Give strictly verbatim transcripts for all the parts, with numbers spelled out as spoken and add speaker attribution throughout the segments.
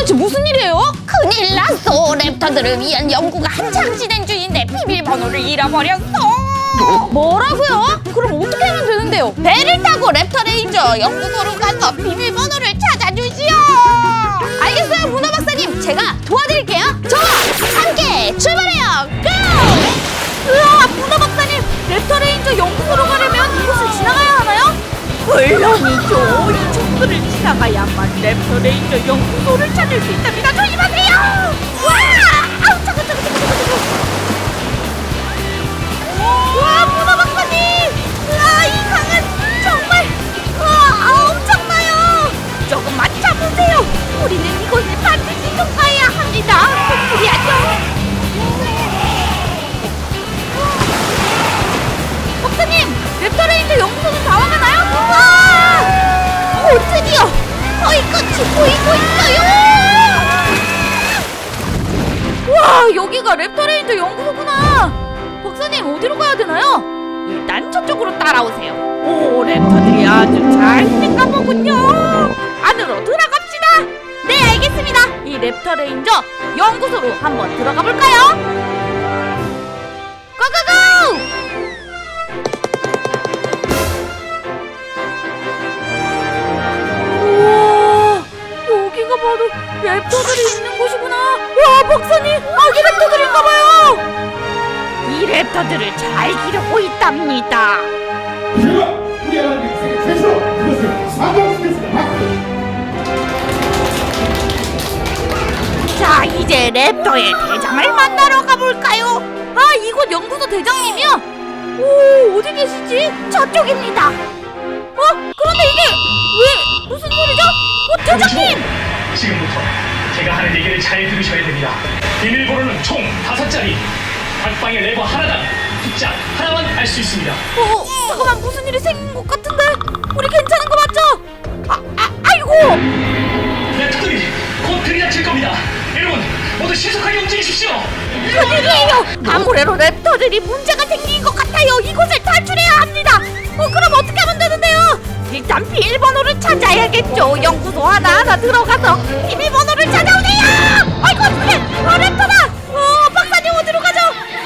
Speaker 1: 도대체 무슨 일이에요?
Speaker 2: 큰일 났어. 랩터들을 위한 연구가 한창 진행 중인데 비밀번호를 잃어버렸어.
Speaker 1: 뭐라고요? 그럼 어떻게 하면 되는데요?
Speaker 2: 배를 타고 랩터 레인저 연구소로 가서 비밀번호를 찾아주시오.
Speaker 1: 알겠어요, 문어 박사님. 제가 도와드릴게요. 저 함께 출발해요. 고! 으아, 문어 박사님. 랩터 레인저 연구소로 가려면 이곳을 지나가야 하나요?
Speaker 3: 물론이죠. 이 촉수를 지나가야만 랩터 레인저 연구소를 찾을 수 있답니다. 조심하세요.
Speaker 2: 와! 아우 차가 차가 차가 차가.
Speaker 1: 와, 문어 박사님. 으아, 이 강은 정말 으아, 엄청나요.
Speaker 3: 조금만 참으세요. 우리는 이곳을 반드시 통과해야 합니다. 그리하죠.
Speaker 1: 박사님, 랩터 레인저 연구소는 다 와가나요? 와!
Speaker 2: 오, 드디어 거의 끝이 보이고 있어요.
Speaker 1: 와, 여기가 랩터 레인저 연구소구나. 박사님, 어디로 가야 되나요?
Speaker 3: 일단 저쪽으로 따라오세요. 오, 랩터들이 아주 잘 생가 보군요. 안으로 들어갑시다.
Speaker 1: 네, 알겠습니다. 이 랩터 레인저 연구소로 한번 들어가 볼까요? 고고고! 우와, 여기가 바로 랩터들이 있는 곳이구나. 와, 박사님, 아기 랩터들인가봐요.
Speaker 3: 이 랩터들을 잘 기르고 있답니다.
Speaker 4: 제가 우리 하나님 세계 최초로 그것을 사과시켰습니다.
Speaker 3: 자, 이제 랩터의 대장을 만나러 가볼까요?
Speaker 1: 아, 이곳 연구소 대장님이요? 오, 어디 계시지?
Speaker 3: 저쪽입니다.
Speaker 1: 어? 그런데 이게 왜 무슨 소리죠? 어, 대장님!
Speaker 5: 지금부터 제가 하는 얘기를 잘 들으셔야 됩니다. 비밀번호는 총 다섯 자리. 각 방에 레버 하나당 숫자 하나만 알 수 있습니다.
Speaker 1: 어, 잠깐만, 무슨 일이 생긴 것 같은데? 우리 괜찮은 거 맞죠? 아, 아, 아이고!
Speaker 5: 랩터들이 곧 들이닥칠 겁니다. 여러분 모두 신속하게 움직이십시오.
Speaker 3: 큰일이에요. 아무래도 랩터들이 문제가 생긴 것 같아요. 이곳을 탈출해야 합니다.
Speaker 1: 어, 그럼 어떻게 하면 되는데요?
Speaker 3: 일단 비밀번호를 찾아야겠죠. 연구소 하나하나 들어가서 비밀번호를 찾아오세요.
Speaker 1: 아이고, 어떡해! 어, 랩터다! 어, 박사님 어디로 가죠?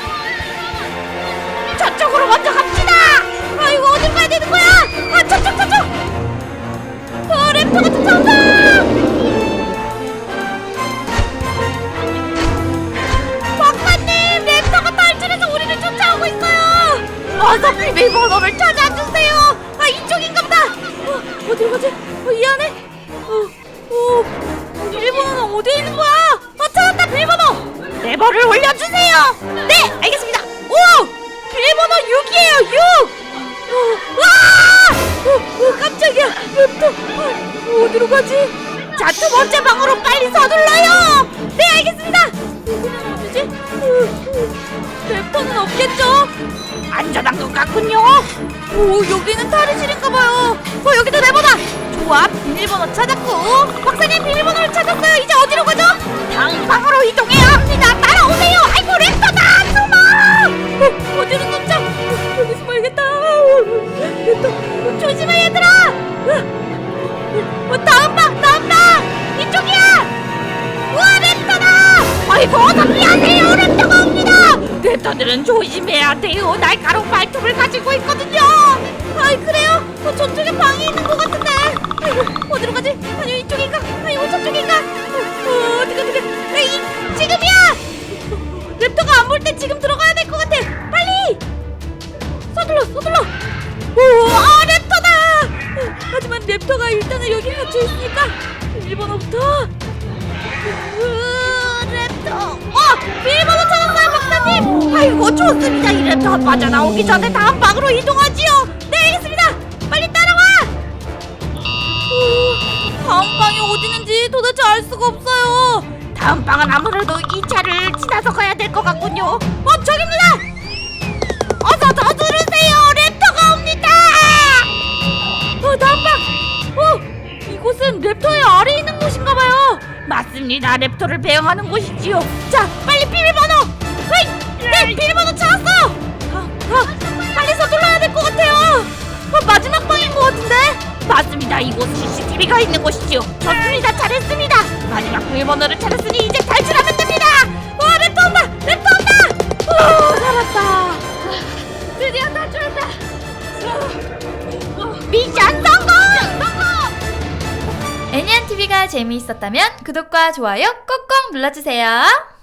Speaker 3: 저쪽으로 먼저 갑시다.
Speaker 1: 아이고, 어딜 가야 되는 거야? 아, 저쪽, 저쪽! 어, 랩터가 쫓아온다! 박사님, 랩터가 탈출해서 우리를 쫓아오고 있어요!
Speaker 3: 어서 비밀번호를 찾아주세요.
Speaker 1: 아, 이쪽인가 보다! 어, 어디로 가지? 어, 이 안에? 어, 어, 비밀번호는 어디에 있는 거야? 어, 찾았다, 비밀번호!
Speaker 3: 레버를 올려주세요.
Speaker 1: 네, 알겠습니다. 오! 비밀번호 육이에요, 육! 어, 와! 어, 어, 깜짝이야. 랩터. 어, 어디로 가지?
Speaker 3: 자, 두 번째 방으로 빨리 서둘러요.
Speaker 1: 네, 알겠습니다. 여기는 어디지? 어, 어, 랩터는 없겠죠?
Speaker 3: 안전한 것 같군요.
Speaker 1: 오, 여기는 탈의실인가봐요. 어, 여기도 레버다. 좋아, 비밀번호 찾았고. 박사님, 비밀번호를 찾았어요. 이제 어디로 가죠?
Speaker 3: 다음 방으로 이동해야 합니다. 따라오세요. 아이고, 랩터다. 숨어.
Speaker 1: 어, 어디로 숨자? 어, 여기 숨어야겠다. 어, 랩터, 어, 조심해, 얘들아. 어, 어, 다음 방, 다음 방. 이쪽이야. 우와, 랩터다.
Speaker 3: 아이고, 어서 피하세요. 랩터가 옵니다. 랩터들은 조심해야 돼요. 날카로운 발톱을 가지고 있거든요.
Speaker 1: 아이, 그래요? 어, 저쪽에 방이 있는 것 같은데. 아이고, 어디로 가지? 아니, 이쪽인가? 아니고 저쪽인가? 어, 어, 어디가, 어디가? 에이, 지금이야! 어, 랩터가 안 볼 때 지금 들어가야 될 것 같아. 빨리! 서둘러, 서둘러. 오, 아, 랩터다! 어, 하지만 랩터가 일단은 여기 갇혀 있으니까 비밀번호부터. 으, 랩터. 어, 비밀번호 찾았어요, 박사님.
Speaker 3: 아이고, 좋습니다. 이 랩터 빠져나오기 전에 다음 방으로 이동하지요.
Speaker 1: 네, 알겠습니다. 빨리 따라와. 오, 다음 방이 어디 있는지 도대체 알 수가 없어요.
Speaker 3: 다음 방은 아무래도 이 차를 지나서 가야 될 것 같군요.
Speaker 1: 어, 저기입니다.
Speaker 3: 어서 더 들으세요. 랩터가 옵니다.
Speaker 1: 어, 다음 방. 어, 이곳은 랩터의 아래에 있는 곳인가봐요.
Speaker 3: 맞습니다. 랩터를 배양하는 곳이지요.
Speaker 1: 자, 빨리 비밀번호. 네, 네, 비밀번호 찾았어요. 아, 아, 빨리 서둘러야 될 것 같아요. 어, 마지막 방인 것 같은데.
Speaker 3: 맞습니다. 바로 이곳 씨씨티비가 있는 곳이죠. 좋습니다. 잘했습니다. 마지막 비밀번호를 찾았으니 이제 탈출하면 됩니다.
Speaker 1: 와, 랩터 온다! 랩터 온다! 오, 살았다. 드디어 탈출했다.
Speaker 3: 미션 성공!
Speaker 1: 애니안티비가 재미있었다면 구독과 좋아요 꼭꼭 눌러주세요.